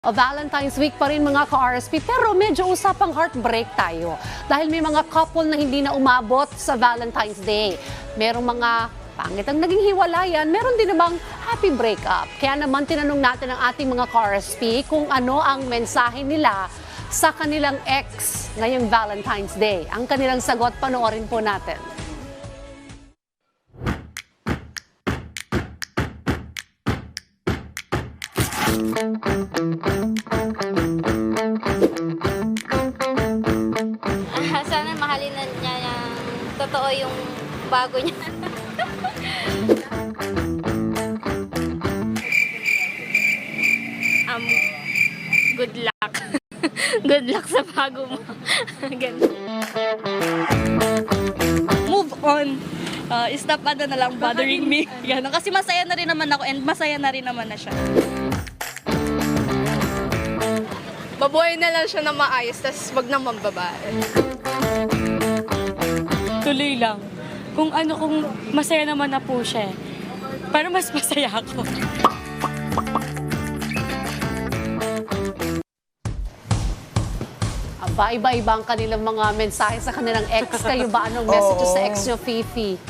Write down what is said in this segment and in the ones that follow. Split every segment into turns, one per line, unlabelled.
Valentine's Week pa rin mga ka-RSP, pero medyo usapang heartbreak tayo dahil may mga couple na hindi na umabot sa Valentine's Day. Merong mga pangit ang naging hiwalayan, meron din namang happy breakup. Kaya naman tinanong natin ang ating mga ka-RSP kung ano ang mensahe nila sa kanilang ex ngayong Valentine's Day. Ang kanilang sagot, panoorin po natin.
Sana mahalin na niya ng totoo yung bago niya. Good luck. Good luck sa bago mo. Ganun.
Move on. Stop na lang bothering me. Ganun. Kasi masaya na rin naman ako and masaya na rin naman na siya.
Mabuhay na lang siya na maayos, tas wag naman babae.
Tuloy lang. Kung masaya naman na po siya. Para mas masaya ako.
Iba-iba ang kanilang mga mensahe sa kanilang ex. Kayo ba? Anong message sa ex nyo, Fifi?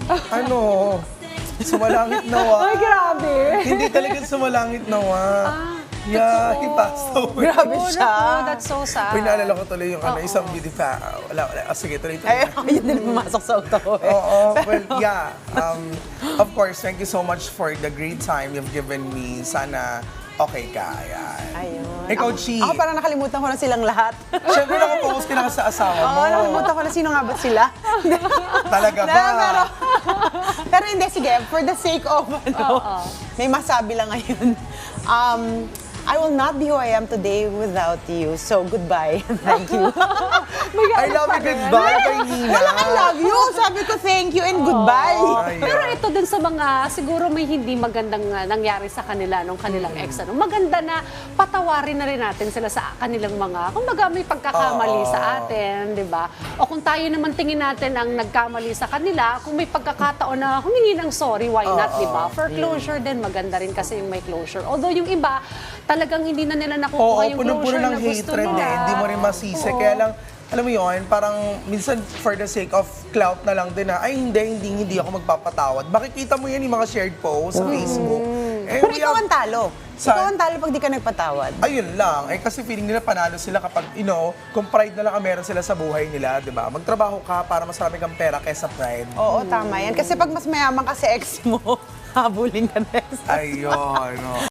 Sumalangit nawa.
Ay, grabe!
Hindi talaga sumalangit nawa. Yeah, he passed away.
Grabe siya.
Oh, that's so sad.
Uy, naalala ko tuloy yung isang beauty fa... Wala. Sige, tuloy.
Ay, yun din pumasok sa utak ko eh.
Oo, well, yeah. Of course, thank you so much for the great time you've given me. Sana okay ka. Ayan.
Ayun.
Ikaw, Chi.
Ako parang nakalimutan ko na silang lahat.
Siyempre, nakapokus ka na sa asawa mo.
Oo, nakalimutan ko na sino nga ba sila.
Talaga ba?
Pero hindi, sige, for the sake of, may masabi lang ngayon. I will not be who I am today without you. So, goodbye. Thank you.
I love you, goodbye, kay Nina.
Wala I love you. Sabi ko thank you and goodbye.
Ay,
Pero ito din sa mga, siguro may hindi magandang nangyari sa kanila nung kanilang ex. Maganda na patawarin na rin natin sila sa kanilang mga, kumbaga may pagkakamali sa atin, di ba? O kung tayo naman tingin natin ang nagkamali sa kanila, kung may pagkakataon na humingi ng sorry, why not, di ba? For closure din, maganda rin kasi yung may closure. Although yung iba, talagang hindi na nila nakukuha yung
puno-puno
closure
ng
na gusto
hatred
nila.
eh. Hindi mo rin masisi.
Oo.
Kaya lang, alam mo yun, parang minsan for the sake of clout na lang din na, ay hindi ako magpapatawad. Makikita mo yan yung mga shared posts sa Facebook. Eh,
Pero ikaw ang talo. Ikaw ang talo pag di ka nagpatawad.
Ayun lang. Eh kasi feeling nila panalo sila kapag, kung pride na lang ang meron sila sa buhay nila, di ba? Magtrabaho ka para mas marami kang pera kaysa pride.
Oo, tama yan. Kasi pag mas mayaman ka sa ex mo, habulin ka next.
Ayun.